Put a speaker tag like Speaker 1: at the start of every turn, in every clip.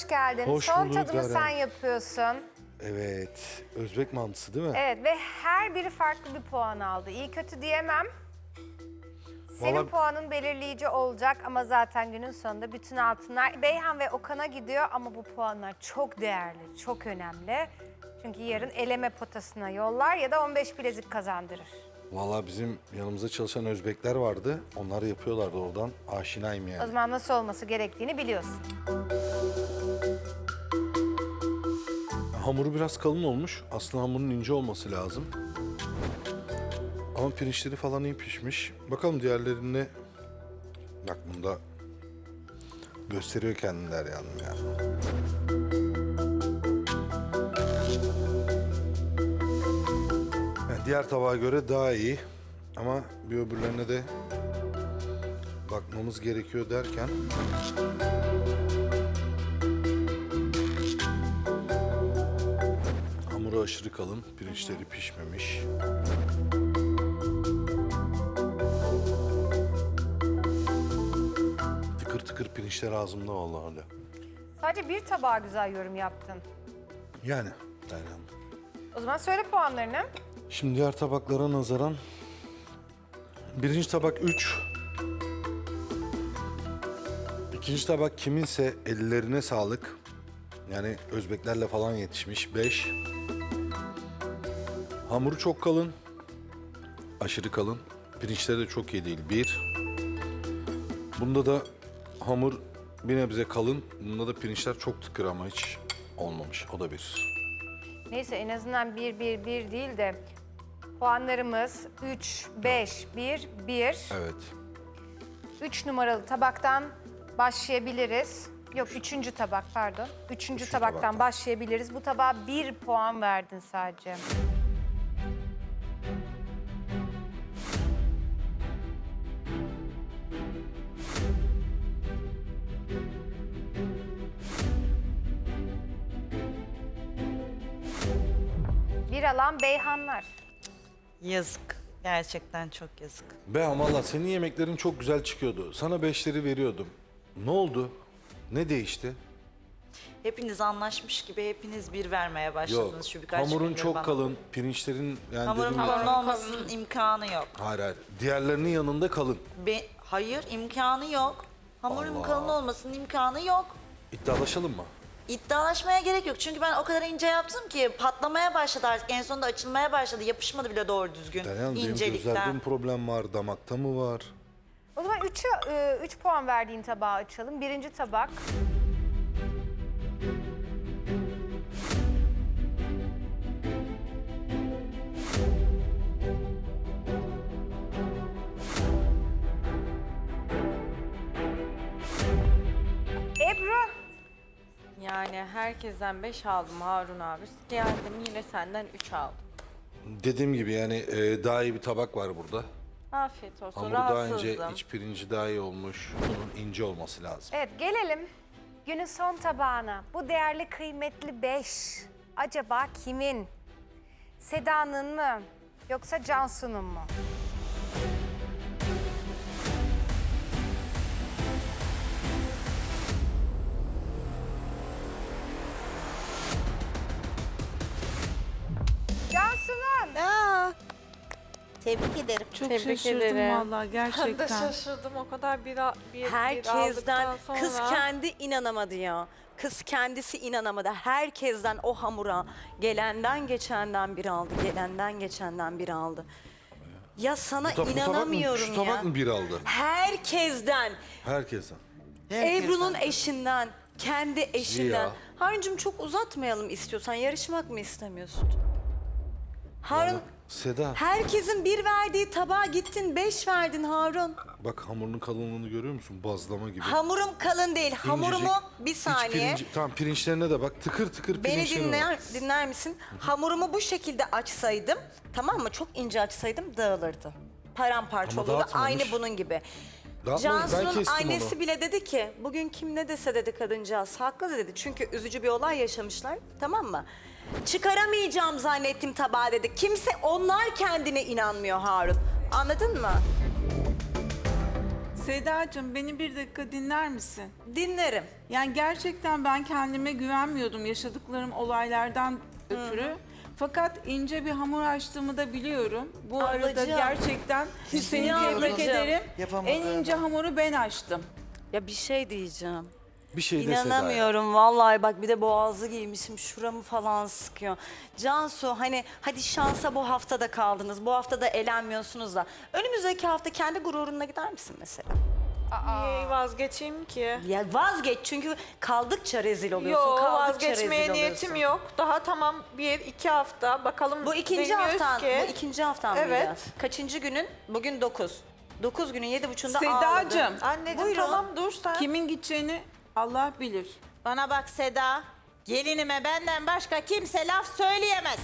Speaker 1: hoş geldin.
Speaker 2: Hoş
Speaker 1: Son
Speaker 2: bulduk
Speaker 1: tadımı
Speaker 2: Deren.
Speaker 1: sen yapıyorsun.
Speaker 2: Evet, Özbek mantısı değil mi?
Speaker 1: Evet ve her biri farklı bir puan aldı. İyi kötü diyemem. Senin
Speaker 2: Vallahi-
Speaker 1: puanın belirleyici olacak ama zaten günün sonunda bütün altınlar Beyhan ve Okan'a gidiyor ama bu puanlar çok değerli, çok önemli. Çünkü yarın eleme potasına yollar ya da 15 bilezik kazandırır.
Speaker 2: Vallahi bizim yanımızda çalışan Özbekler vardı. Onlar yapıyorlardı oradan. Aşinayım
Speaker 1: O
Speaker 2: yani.
Speaker 1: zaman nasıl olması gerektiğini biliyorsun.
Speaker 2: Hamuru biraz kalın olmuş. Aslında hamurun ince olması lazım. Ama pirinçleri falan iyi pişmiş. Bakalım diğerlerine... Bak bunda gösteriyor kendiler yani. Yani diğer tabağa göre daha iyi. Ama bir öbürlerine de bakmamız gerekiyor derken... Hamuru aşırı kalın, pirinçleri pişmemiş. Tıkır tıkır pirinçler ağzımda vallahi hala.
Speaker 1: Sadece bir tabağa güzel yorum yaptın.
Speaker 2: Yani Deryan.
Speaker 1: O zaman söyle puanlarını.
Speaker 2: Şimdi diğer tabaklara nazaran birinci tabak 3. İkinci tabak kiminse ellerine sağlık. Yani Özbeklerle falan yetişmiş 5. Hamuru çok kalın. Aşırı kalın. Pirinçleri de çok iyi değil 1. Bunda da hamur bir nebze kalın. Bunda da pirinçler çok tıkır ama hiç olmamış. O da 1.
Speaker 1: Neyse en azından 1 değil de puanlarımız 3, 5, 1, 1.
Speaker 2: Evet.
Speaker 1: 3 numaralı tabaktan başlayabiliriz. Yok 3. tabak pardon. 3. tabaktan
Speaker 2: tabaktan.
Speaker 1: başlayabiliriz. Bu tabağa 1 puan verdin sadece. Bir alan Beyhanlar.
Speaker 3: Yazık. Gerçekten çok yazık.
Speaker 2: Be ama valla senin yemeklerin çok güzel çıkıyordu. Sana 5'leri veriyordum. Ne oldu? Ne değişti?
Speaker 3: Hepiniz anlaşmış gibi hepiniz bir vermeye başladınız
Speaker 2: Yok.
Speaker 3: şu birkaç
Speaker 2: Hamurun
Speaker 3: gündür
Speaker 2: çok
Speaker 3: bana.
Speaker 2: kalın. Pirinçlerin yani
Speaker 3: Hamurun
Speaker 2: dediğim gibi...
Speaker 3: kalın olmasının imkanı yok.
Speaker 2: Hayır hayır. Diğerlerinin yanında kalın.
Speaker 3: Hayır, imkanı yok. Hamurun
Speaker 2: Allah.
Speaker 3: kalın olmasının imkanı yok.
Speaker 2: İddialaşalım mı?
Speaker 3: İddialaşmaya gerek yok. Çünkü ben o kadar ince yaptım ki patlamaya başladı artık. En sonunda açılmaya başladı. Yapışmadı bile doğru düzgün.
Speaker 2: Deryan benim
Speaker 3: İncelikten.
Speaker 2: gözlerde mi problem var? Damakta mı var?
Speaker 1: O zaman 3 puan verdiğin tabağı açalım. 1. tabak. Ebru.
Speaker 4: Yani herkesten 5 aldım Harun abi. Geldim yine senden 3 aldım.
Speaker 2: Dediğim gibi yani daha iyi bir tabak var burada.
Speaker 4: Afiyet olsun.
Speaker 2: Hamuru daha ince,
Speaker 4: Rahatsızdım.
Speaker 2: iç pirinci daha iyi olmuş. Bunun ince olması lazım.
Speaker 1: Evet gelelim günün son tabağına. Bu değerli kıymetli 5 acaba kimin? Seda'nın mı yoksa Cansu'nun mu? Cansu'nun.
Speaker 5: Tebrik ederim.
Speaker 6: Çok
Speaker 4: Tebrik
Speaker 6: şaşırdım
Speaker 4: ederim.
Speaker 6: vallahi
Speaker 4: Ben de
Speaker 6: gerçekten.
Speaker 4: şaşırdım o kadar bir
Speaker 5: Herkesten
Speaker 4: aldıktan sonra.
Speaker 5: kız kendi inanamadı ya. Kız kendisi inanamadı. Herkesten o hamura gelenden geçenden bir aldı. Gelenden geçenden bir aldı. Ya sana
Speaker 2: Bu tabak mı,
Speaker 5: inanamıyorum
Speaker 2: şu
Speaker 5: ya.
Speaker 2: tabak mı bir aldı?
Speaker 5: Herkesten.
Speaker 2: Herkesten.
Speaker 5: Ebru'nun eşinden, kendi eşinden.
Speaker 2: Ya.
Speaker 5: Harun'cum çok uzatmayalım istiyorsan. Yarışmak mı istemiyorsun? Harun,
Speaker 2: Seda
Speaker 5: herkesin bir verdiği tabağa gittin 5 verdin Harun.
Speaker 2: bak hamurun kalınlığını görüyor musun? Bazlama gibi.
Speaker 5: Hamurum kalın değil. Hamurumu
Speaker 2: İncecik.
Speaker 5: bir
Speaker 2: İç
Speaker 5: saniye.
Speaker 2: tamam pirinçlerine de bak tıkır tıkır
Speaker 5: Beni
Speaker 2: pirinçleri var.
Speaker 5: dinler misin? Hamurumu bu şekilde açsaydım, tamam mı? Çok ince açsaydım dağılırdı. Paramparça
Speaker 2: Ama
Speaker 5: olurdu.
Speaker 2: dağıtmamış.
Speaker 5: Aynı bunun gibi.
Speaker 2: Dağıtmamış, ben
Speaker 5: Cansu'nun
Speaker 2: kestim
Speaker 5: annesi
Speaker 2: onu.
Speaker 5: bile dedi ki, bugün kim ne dese dedi kadıncağız. Haklı dedi. Çünkü üzücü bir olay yaşamışlar, tamam mı? Çıkaramayacağım zannettim tabağı dedi. Kimse, onlar kendine inanmıyor Harun. Anladın mı?
Speaker 6: Sedacığım beni bir dakika dinler misin?
Speaker 5: Dinlerim.
Speaker 6: Yani gerçekten ben kendime güvenmiyordum yaşadıklarım olaylardan ötürü. Fakat ince bir hamur açtığımı da biliyorum. Bu arada
Speaker 5: Ablacığım.
Speaker 6: gerçekten seni
Speaker 5: Ya
Speaker 6: tebrik
Speaker 5: ablacığım.
Speaker 6: ederim.
Speaker 7: Yapamadım.
Speaker 6: En ince hamuru ben açtım.
Speaker 5: Ya bir şey diyeceğim.
Speaker 2: Bir şey de Seda'ya.
Speaker 5: İnanamıyorum vallahi, bak bir de boğazı giymişim, şuramı falan sıkıyor. Cansu, hani hadi şansa bu haftada kaldınız, bu hafta da elenmiyorsunuz da önümüzdeki hafta kendi gururunla gider misin mesela?
Speaker 4: Niye vazgeçeyim ki?
Speaker 5: Ya vazgeç, çünkü kaldıkça rezil oluyorsun,
Speaker 4: Yok,
Speaker 5: kaldıkça rezil
Speaker 4: vazgeçmeye
Speaker 5: oluyorsun.
Speaker 4: niyetim yok. Daha tamam 1-2 hafta bakalım.
Speaker 5: Bu ikinci
Speaker 4: bilmiyoruz
Speaker 5: haftan,
Speaker 4: ki.
Speaker 5: bu ikinci haftan
Speaker 4: Evet.
Speaker 5: mıydı? Kaçıncı günün? Bugün 9. 9 günün 7.30'unda ağladı.
Speaker 6: Sedacığım
Speaker 4: Anneciğim
Speaker 5: Buyurun.
Speaker 4: tamam dur sen.
Speaker 6: kimin gideceğini Allah bilir.
Speaker 8: Bana bak Seda, gelinime benden başka kimse laf söyleyemez.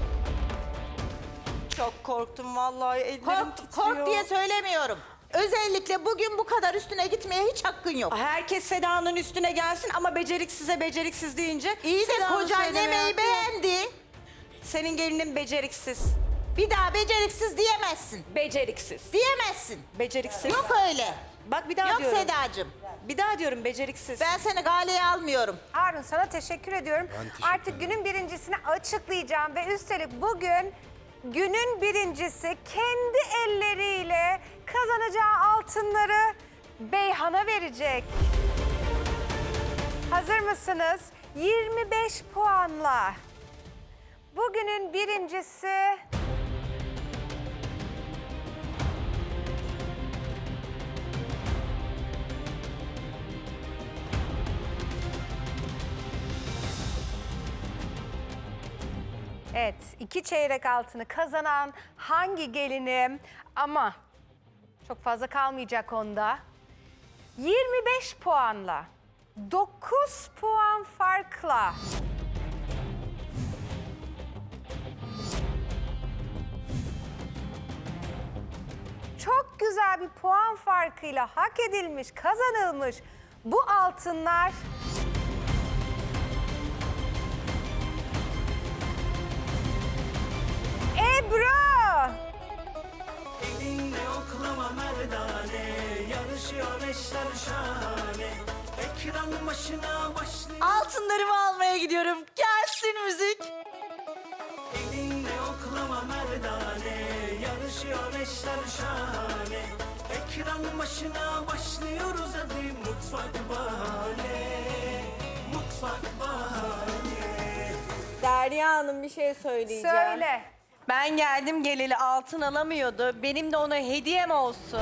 Speaker 5: Çok korktum vallahi, ellerim
Speaker 8: Kork,
Speaker 5: titriyor.
Speaker 8: kork diye söylemiyorum. Özellikle bugün bu kadar üstüne gitmeye hiç hakkın yok.
Speaker 5: Herkes Seda'nın üstüne gelsin ama beceriksize beceriksiz deyince...
Speaker 8: İyi de
Speaker 5: Seda'nın
Speaker 8: kocan
Speaker 5: söylemeye
Speaker 8: yemeği
Speaker 5: hakkı yok.
Speaker 8: beğendi.
Speaker 5: Senin gelinin beceriksiz.
Speaker 8: Bir daha beceriksiz diyemezsin.
Speaker 5: Beceriksiz.
Speaker 8: Diyemezsin.
Speaker 5: Beceriksiz.
Speaker 8: Yok öyle.
Speaker 5: Bak bir daha
Speaker 8: Yok
Speaker 5: diyorum.
Speaker 8: Sedacığım.
Speaker 5: Bir daha diyorum, beceriksiz.
Speaker 8: Ben seni galeye almıyorum.
Speaker 1: Harun sana teşekkür ediyorum. Artık günün birincisini açıklayacağım ve üstelik bugün günün birincisi kendi elleriyle kazanacağı altınları Beyhan'a verecek. Hazır mısınız? 25 puanla. Bugünün birincisi evet, 2 çeyrek altını kazanan hangi gelinim, ama çok fazla kalmayacak onda. 25 puanla, 9 puan farkla çok güzel bir puan farkıyla hak edilmiş, kazanılmış bu altınlar Ebru!
Speaker 9: Elinde oklama merdane, yarışıyor eşler şahane. Ekran başına başlıyor.
Speaker 3: Altınlarımı almaya gidiyorum. Gelsin müzik.
Speaker 9: Elinde oklama merdane, yarışıyor eşler şahane. Ekran başına başlıyoruz hadi mutfak bahane. Mutfak bahane.
Speaker 4: Derya Hanım bir şey söyleyeceğim.
Speaker 1: Söyle.
Speaker 4: Ben geldim geleli altın alamıyordu. Benim de ona hediyem olsun.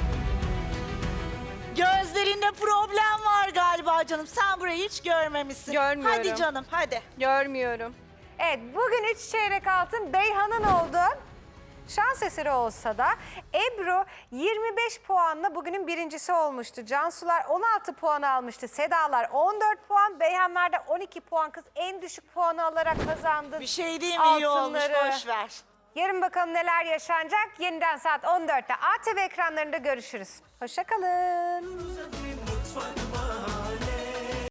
Speaker 3: Gözlerinde problem var galiba canım. Sen burayı hiç görmemişsin.
Speaker 4: Görmüyorum.
Speaker 3: Hadi canım hadi.
Speaker 4: Görmüyorum.
Speaker 1: Evet, bugün 3 çeyrek altın Beyhan'ın oldu. Şans eseri olsa da Ebru 25 puanla bugünün birincisi olmuştu. Cansular 16 puan almıştı. Sedalar 14 puan. Beyhanlar da 12 puan. Kız en düşük puanı alarak kazandı.
Speaker 3: Bir şey değil mi? İyi olmuş.
Speaker 1: altınları.
Speaker 3: Boş ver.
Speaker 1: Yarın bakalım neler yaşanacak. Yeniden saat 14'te ATV ekranlarında görüşürüz. Hoşça kalın.
Speaker 9: Hadi mutfak bahane.